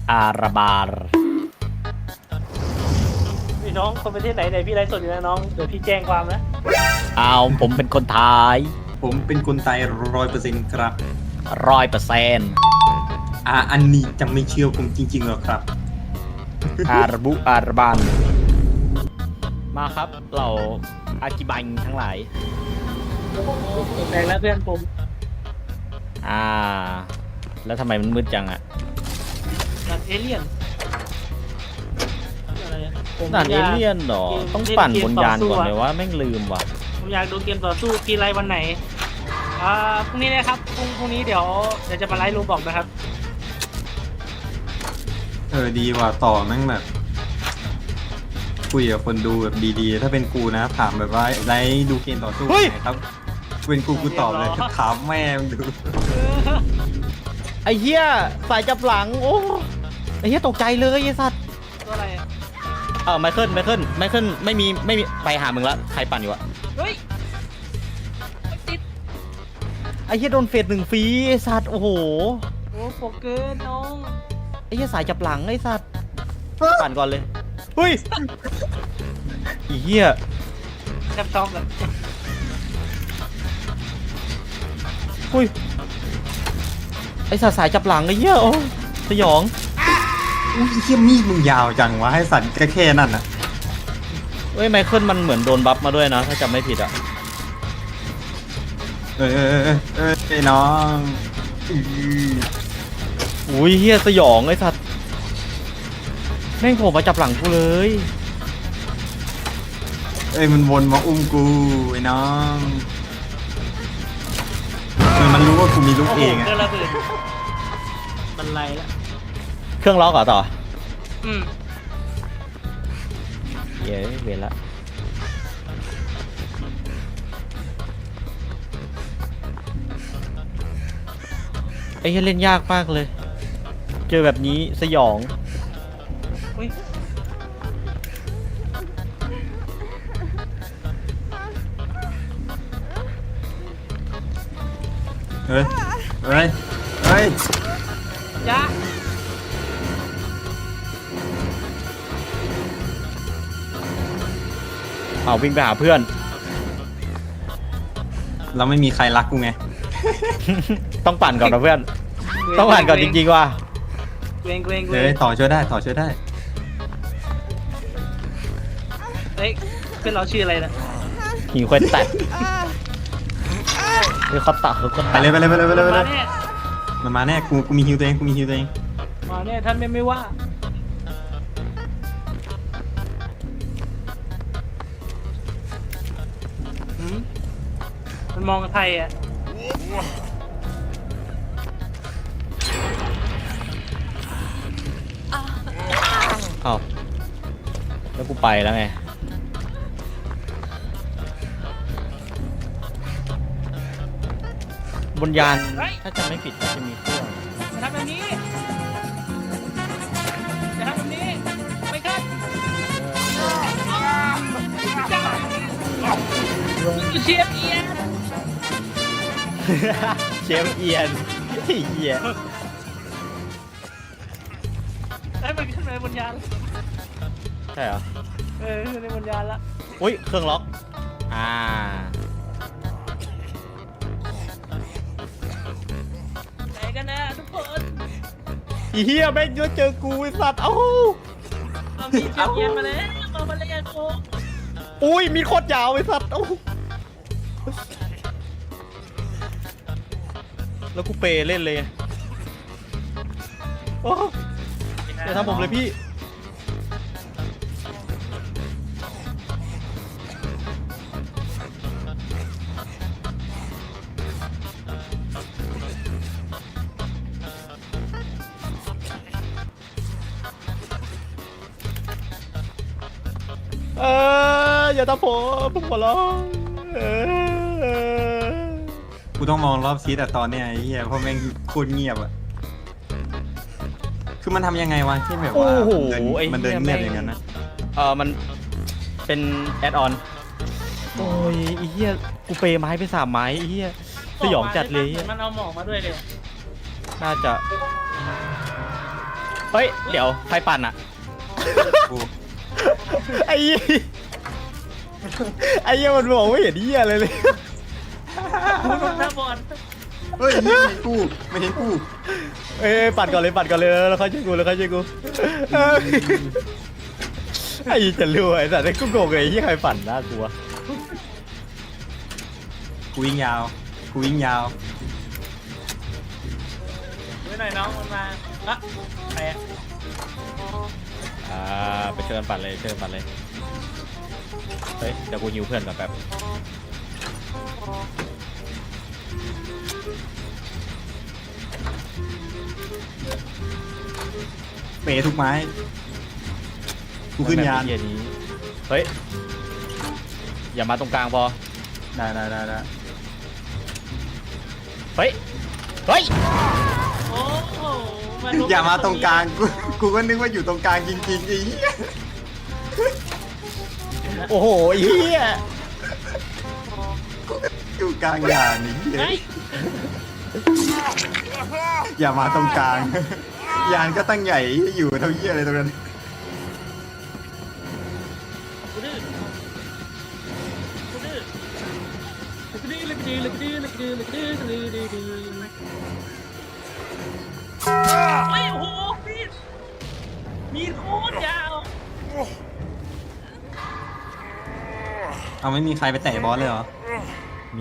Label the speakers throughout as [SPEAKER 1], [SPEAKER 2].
[SPEAKER 1] อาราบาร์
[SPEAKER 2] พี่น้องคนประเทศไหนพี่ไลฟ์สดอยู่นะน้องเดี๋ยวพี่แจ้งความนะ
[SPEAKER 1] เอาผมเป็นคนไทย
[SPEAKER 3] ผมเป็นคนไทย100%ครับ
[SPEAKER 1] 100%
[SPEAKER 3] อันนี้จะไม่เชื่อผมจริงๆหรอครับ
[SPEAKER 1] อาราบุอาราบานมาครับเราอากิบังทั้งหลาย
[SPEAKER 2] แปลงแล้วเพื่อนผม
[SPEAKER 1] แล้วทำไมมันมืดจังอะ
[SPEAKER 2] ด่านเอเลี่ยนอะไรอะผม
[SPEAKER 1] ด่านเอเลี่ยนเหรอ ต้องปั่นบนยานก่อนเลยว่าแม่งลืมว่ะ
[SPEAKER 2] ผมอยากดูเกมต่อสู้กีไลฟ์วันไหนพรุ่งนี้นะครับพรุ่งนี้เดี๋ยวจะมาไลฟ์รูบอกนะครับ
[SPEAKER 3] ดีว่ะต่อแม่งแบบคุยกับคนดูแบบดีๆ ถ้าเป็นกูนะถามแบบว่าไรดูเกมต่อสู้
[SPEAKER 1] เฮ้ย
[SPEAKER 3] ไงครับเป็นกูตอบเลยถามแม่มึงดู
[SPEAKER 1] ไอ้เหี้ยสายจับหลังโอ้ไอ้เหี้ยตกใจเลยไอ้สัตว์
[SPEAKER 2] ตัวอะไรอะ
[SPEAKER 1] ไมเคิลไม่มีไปหามึงละใครปั่นอยู่อะ
[SPEAKER 2] เฮ้ยติด
[SPEAKER 1] ไอ้เหี้ยโดนเฟส1ฟรีไอ้สัตว์โอ้โห
[SPEAKER 2] โอ้โฟเกินน้อง
[SPEAKER 1] ไอ้เหี้ยสายจับหลังไอ้สัตว์ปั่นก่อนเลยเฮ้ยไอ้เหี้ย
[SPEAKER 2] แทบช็อกเลย
[SPEAKER 1] เฮ้ยไอ้สัตว์สายจับหลังไอ้เหี้ยโอ้สยอง
[SPEAKER 3] อุ้ยเฮี้ยมีดมึงยาวจังวะให้สันแค่นั่นน่ะ
[SPEAKER 1] เฮ้ยไมเคิลมันเหมือนโดนบัฟมาด้วยนะถ้าจำไม่ผิดอะ
[SPEAKER 3] ไอ้น้องอื้อ
[SPEAKER 1] อุ้ยเหี้ยสยองไอ้สัตว์แม่งโผล่มาจับหลังกูเลย
[SPEAKER 3] มันวนมาอุ้มกูไอ้น้องมันรู้ว่ากูมีลูก
[SPEAKER 2] โอ้โห
[SPEAKER 3] เองอะ
[SPEAKER 2] เกินระเบิดบันไลละ
[SPEAKER 1] เครื่องล็อกเหรอต่อ
[SPEAKER 2] อืม
[SPEAKER 1] เย้เวรละไอ้เหี้ยเล่นยากมากเลย เจอแบบนี้สยอง
[SPEAKER 2] อุ้ย
[SPEAKER 3] เฮ้ย
[SPEAKER 2] ยะ
[SPEAKER 1] เอาวิ่งไปหาเพื่อน
[SPEAKER 3] เราไม่มีใครรักกูไง
[SPEAKER 1] ต้องปั่นก่อนนะเพื่อน ต้องปั่นก่อนจริงๆว่ะ
[SPEAKER 2] เกรงเกรงเกร
[SPEAKER 3] เฮ้ย
[SPEAKER 2] ง
[SPEAKER 3] ต่อช่วยได้
[SPEAKER 2] เฮ้ยเพื่อนเราชื่ออะไรนะ
[SPEAKER 1] หิงควนแตกเฮ้ยเขาตัดเขา
[SPEAKER 3] ไป
[SPEAKER 1] ตัด
[SPEAKER 3] เลย
[SPEAKER 2] มาแน่
[SPEAKER 3] มันมาแน่กูมีฮิวตัวเอง
[SPEAKER 2] มาแน่ท่านไม่ว่าหืมมันมองไทยอ่ะ
[SPEAKER 1] เอาแล้วกูไปแล้วไง บนยานถ้าจำไม่ผิดจะมีเครื่อง
[SPEAKER 2] จะทำแบบนี้จะทำแบบนี้ไม่ขึ้นเชียบเอียน
[SPEAKER 1] เชฟเอียนไอ้เหี้ย
[SPEAKER 2] ให้มันขึ้นไปบนยาน
[SPEAKER 1] ใช่เหรอ
[SPEAKER 2] ขึ้นไปบนยานละ
[SPEAKER 1] อุ้ยเครื่องล็อก
[SPEAKER 2] ไหนกันนะทุกคน
[SPEAKER 1] อีเหี้ยแม่งเจอกูไอ้สัตว์เอ้า
[SPEAKER 2] เอามีเชียบเอียนมาแล้วมาเล่นโอ้
[SPEAKER 1] อุ้ยมีโคตรยาวไอ้สัตว์เอ้าแล้วกูเปเล่นเลยโอ้อย่าทำผมเลยพี่ อย่าทำผมขอร้อง
[SPEAKER 3] กูต้องมองรอบซีแต่ตอนเนี้ยไอ้เหี้ยเพราะแม่งโคตรเงียบอะคือมันทำยังไงวะที่แบบว่า
[SPEAKER 1] โอ้โห
[SPEAKER 3] มันเดินเงียบอย่างนั้นนะ
[SPEAKER 1] มันเป็นแอดออน โอ้ยไอ้เหี้ยกูเปไม้ไป3 ไม้ไอ้เหี้ยสยองจัดเลย
[SPEAKER 2] มันเอาหมอกมาด้วยเลย
[SPEAKER 1] น่าจะเฮ้ยเดี๋ยวใครปั่นอะ
[SPEAKER 3] กู
[SPEAKER 1] ไอ้เหี้ยไอ้เหี้ยมันมองไม่เห็นเหี้ยอะไรเลย
[SPEAKER 2] คุณลงหน้าบอล
[SPEAKER 3] เฮ้ยไม่เห็นกูไม่เห็นกู
[SPEAKER 1] เอ้ยปั่นก่อนเลยแล้วค่อยช่วยกูเเอ้ยไอ้จะรวยแต่ไอ้กูโกงไอ้ที่ใครปั่นน่ากลัว
[SPEAKER 3] กูวิ่งยาวกูวิ่งยาว
[SPEAKER 2] ไว้หน่อยน้องมันมาอะใครอะ
[SPEAKER 1] ไปเชิญปั่นเลยเฮ้ยเดี๋ยวกูยิวเพื่อนก่อนแป๊บ
[SPEAKER 3] เปทุกไม้กูขึ้นยาน
[SPEAKER 1] เหี้ยนี้เฮ้ยอย่ามาตรงกลางพอ
[SPEAKER 3] ได้
[SPEAKER 1] เฮ้ย
[SPEAKER 2] โอ้โห
[SPEAKER 3] อย่ามาตรงกลางกูก็นึกว่าอยู่ตรงกลางจริงๆไอ้เหี้ย
[SPEAKER 1] โอ้โหเฮีย
[SPEAKER 3] อยู่กลางยานนี่
[SPEAKER 2] เฮ้ย
[SPEAKER 3] อย่ามาตรงกลาง ยานก็ตั้งใหญ่อยู่เท่าเหี้ยอะไรตรงนั้น
[SPEAKER 2] กูดื้อโอ้ยโอ้โหมีดโคตรยาว
[SPEAKER 3] เอาไม่มีใครไปแตะบอสเลยเหรอ
[SPEAKER 1] มี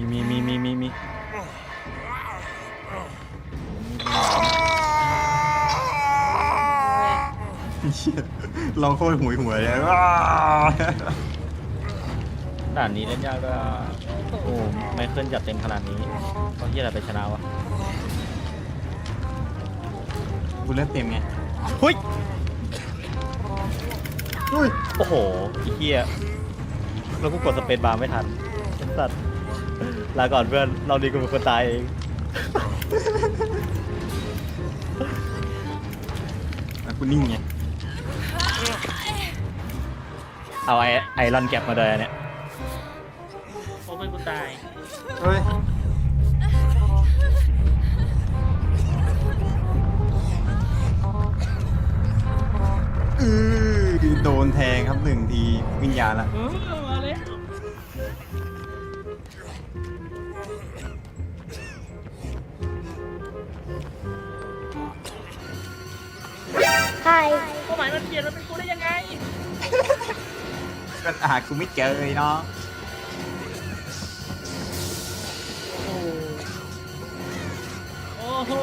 [SPEAKER 3] เหี้ยเราโคตรหวยเลย
[SPEAKER 1] ด่านนี้เล่นยากด้วยโอ้ไม่เคลื่อนจัดเต็มขนาดนี้เพราะเฮียอะไรไปชนะวะ
[SPEAKER 3] กูเลือดเต็มไง
[SPEAKER 1] เฮ้ย
[SPEAKER 3] อุ้ย
[SPEAKER 1] โอ้โหไอ้เฮียแล้วกูกดสเปซบาร์ไม่ทันสัตว์ลาก่อนเพื่อนเราดีกูเป็นคนตายเอง
[SPEAKER 3] กูนิ่งไง
[SPEAKER 1] เอาไอรอนแก็บมาเลยอันเนี่ย
[SPEAKER 2] โอ้เป็นกูตาย
[SPEAKER 3] เฮ้ยโดนแทงครับ1 ทีวิญญาณละ
[SPEAKER 2] มาเลย เป้าหมายมันเปลี่ยนมันเป็นกูได้ยังไง
[SPEAKER 3] ก็หากูไม่เจอเลยเนาะ
[SPEAKER 2] โอ้โห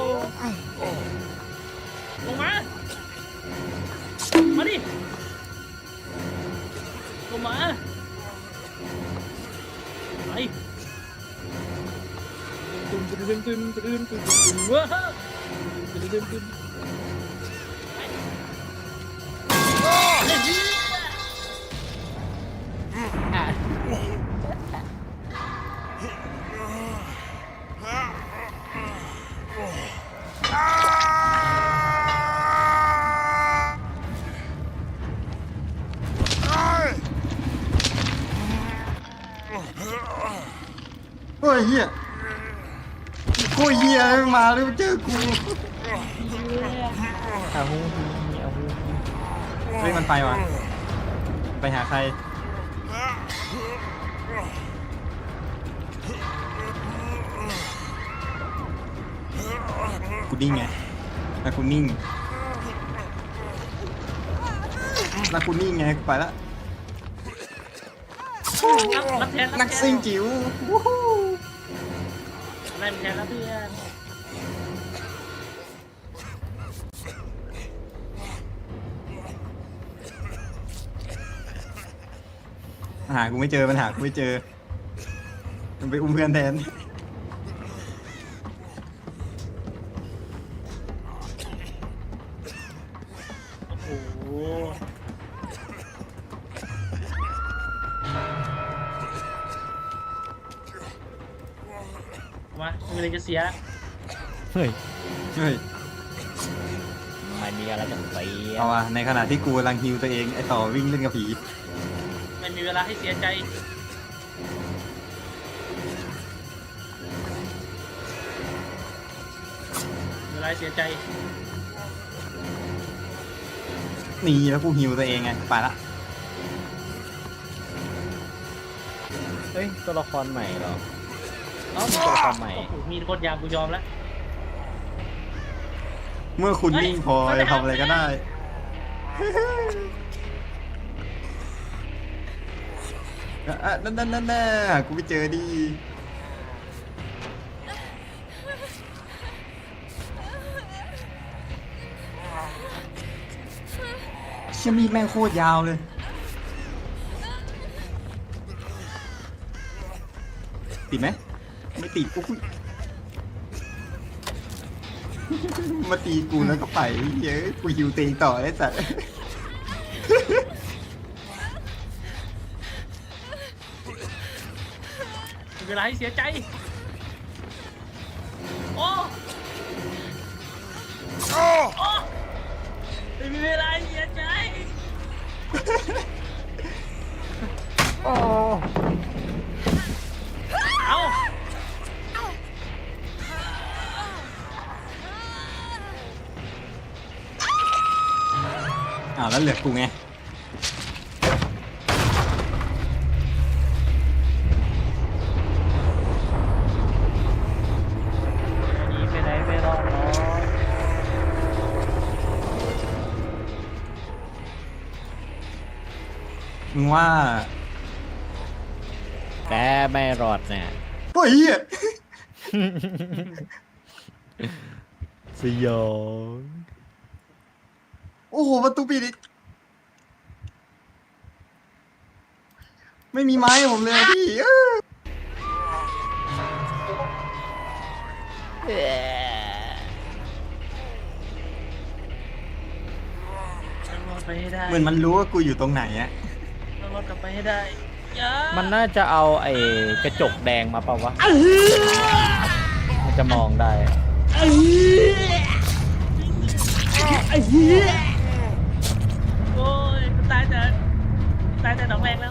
[SPEAKER 2] ลงมา มาดิ ลงมาไปตึมตึมตึมตึมตึมตึมตึมว้าวตึมตึมตึม
[SPEAKER 3] เฮ้ยเฮียโอ้ยเฮียมาแล้วเจอกูเฮ้ยมันไปว่ะไปหาใครกูนิ่งไงแล้วกูนิ่งไงกูไปละ
[SPEAKER 2] รับแทน
[SPEAKER 3] นักซิ่งจิ๋ววู้ฮู้
[SPEAKER 2] อะไรแทนแล้วเพื่อน
[SPEAKER 3] หากูไม่เจอมันหากูไม่เจอมันไปอุ้มเพื่อนแทน
[SPEAKER 2] โอ้โหมาไม่มีอะไรจะเสีย
[SPEAKER 1] เฮ้ย
[SPEAKER 3] เฮ้ย
[SPEAKER 1] ไม่มีอะไรจะเสีย
[SPEAKER 3] เอาว่ะในขณะที่กูกำลังฮิวตัวเองไอต่อวิ่งเล่นกับผี
[SPEAKER 2] ไม่มีเวลาให้เสียใจเวลาให้เสียใจ
[SPEAKER 3] นี่แล้วกูฮิวตัวเองไงไปละ
[SPEAKER 1] เฮ้ยตัวละครใหม่เหรอเอ้ามีตัวละครใหม่
[SPEAKER 2] โอ้โหมีคนยามกูยอมแล้ว
[SPEAKER 3] เมื่อคุณนิ่งพอจะทำอะไรก็ได้ นั่นกูไปเจอดีเชี่ยมีดแม่งโคตรยาวเลย ติดไหมไม่ติดกูมาตีกูแล้วก็ไปเยอะกูหิวเตงต่อไอ้สัส
[SPEAKER 2] มีเวลาให้เสียใจ โอ้โอ้ไม่มีเวลาให้เสียใจ
[SPEAKER 1] โอ้
[SPEAKER 2] เอา
[SPEAKER 3] แล้วเหลือกูไง
[SPEAKER 2] หนีไปไหนไม่รอดหรอก
[SPEAKER 3] มึงว่า
[SPEAKER 1] แกไม่รอดแน่
[SPEAKER 3] โอ้ยเหี้ย
[SPEAKER 1] สยอง
[SPEAKER 3] โอ้โหประตูปิดอีกไม่มีไม้ให้ผมเลยอะพี่
[SPEAKER 2] ต้องรอดไปให้ได้
[SPEAKER 3] เหมือนมันรู้ว่ากูอยู่ตรงไหนอะ
[SPEAKER 2] ต้องรอดกลับไปให้ได้อย่า
[SPEAKER 1] มันน่าจะเอาไอ้กระจกแดงมาเปล่าวะมันจะมองได้
[SPEAKER 2] โอ้ยกูตายแต่ดอกแรกแล้ว